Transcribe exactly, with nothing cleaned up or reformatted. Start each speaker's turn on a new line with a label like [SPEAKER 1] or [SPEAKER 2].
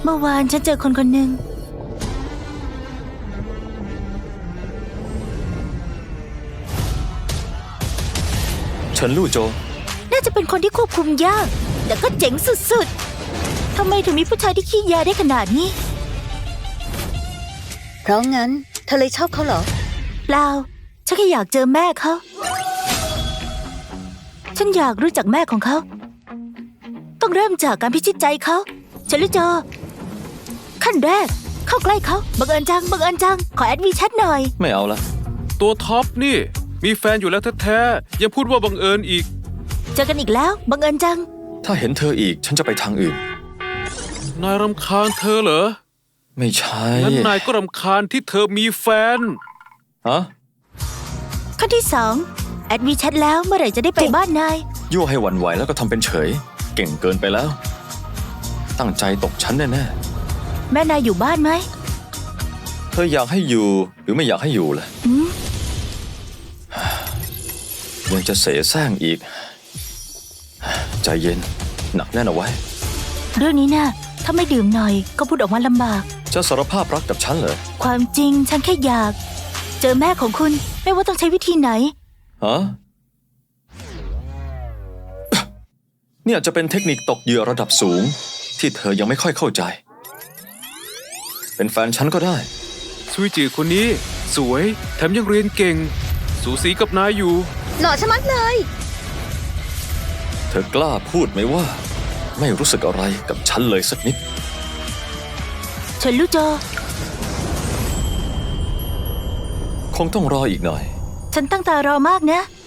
[SPEAKER 1] เมื่อวานฉันเจอคนคนหนึ่ง
[SPEAKER 2] เฉินลู่โจ
[SPEAKER 1] น่าจะเป็นคนที่ควบคุมยากแต่ก็เจ๋งสุดๆทำไมถึงมีผู้ชายที่ขี้ยาได้ขนาดนี้
[SPEAKER 3] เพราะงั้นเธอเลยชอบเขาเหรอ
[SPEAKER 1] เปล่าฉันแค่อยากเจอแม่เขาฉันอยากรู้จักแม่ของเขาต้องเริ่มจากการพิชิตใจเขาเฉินลู่โจขั้นแรกเข้าใกล้เขาบังเอิญจังบังเอิญจังขอแอดวีแชทหน่อย
[SPEAKER 2] ไม่เอาละ
[SPEAKER 4] ตัวท็อปนี่มีแฟนอยู่แล้วแท้ๆยังพูดว่าบังเอิญอีก
[SPEAKER 1] เจอกันอีกแล้วบังเอิญจัง
[SPEAKER 2] ถ้าเห็นเธออีกฉันจะไปทางอื่น
[SPEAKER 4] นายรำคาญเธอเหรอ
[SPEAKER 2] ไม่ใช่
[SPEAKER 4] งั้นนายก็รำคาญที่เธอมีแฟน
[SPEAKER 2] ฮะ
[SPEAKER 1] ขั้นที่สองแอดวีแชทแล้วเมื่อไหร่จะได้ไปบ้านนาย
[SPEAKER 2] ยั่วให้หวั่นไหวแล้วก็ทำเป็นเฉยเก่งเกินไปแล้วตั้งใจตกชั้นแน่
[SPEAKER 1] ๆแม่นายอยู่บ้านไหม
[SPEAKER 2] เธออยากให้อยู่หรือไม่อยากให้อยู่ล่ะยังจะเสแสร้งอีกใจเย็นหนักแน่นเอาไว้
[SPEAKER 1] เรื่องนี้นะถ้าไม่ดื่มหน่อยก็พูดออกมาลำบาก
[SPEAKER 2] จะสารภาพรักกับฉันเหรอ
[SPEAKER 1] ความจริงฉันแค่อยากเจอแม่ของคุณไม่ว่าต้องใช้วิธีไหน
[SPEAKER 2] ฮะเนี่ยจะเป็นเทคนิคตกเหยื่อระดับสูงที่เธอยังไม่ค่อยเข้าใจเป็นแฟนฉันก็ได้
[SPEAKER 4] ซุยจือคนนี้สวยแถมยังเรียนเก่งสูสีกับนายอยู่
[SPEAKER 3] หล่อชะมัดเลย
[SPEAKER 2] เธอกล้าพูดไหมว่าไม่รู้สึกอะไรกับฉันเลยสักนิด
[SPEAKER 1] เฉินลู่โจ
[SPEAKER 2] คงต้องรออีกหน่อย
[SPEAKER 1] ฉันตั้งตารอมากนะ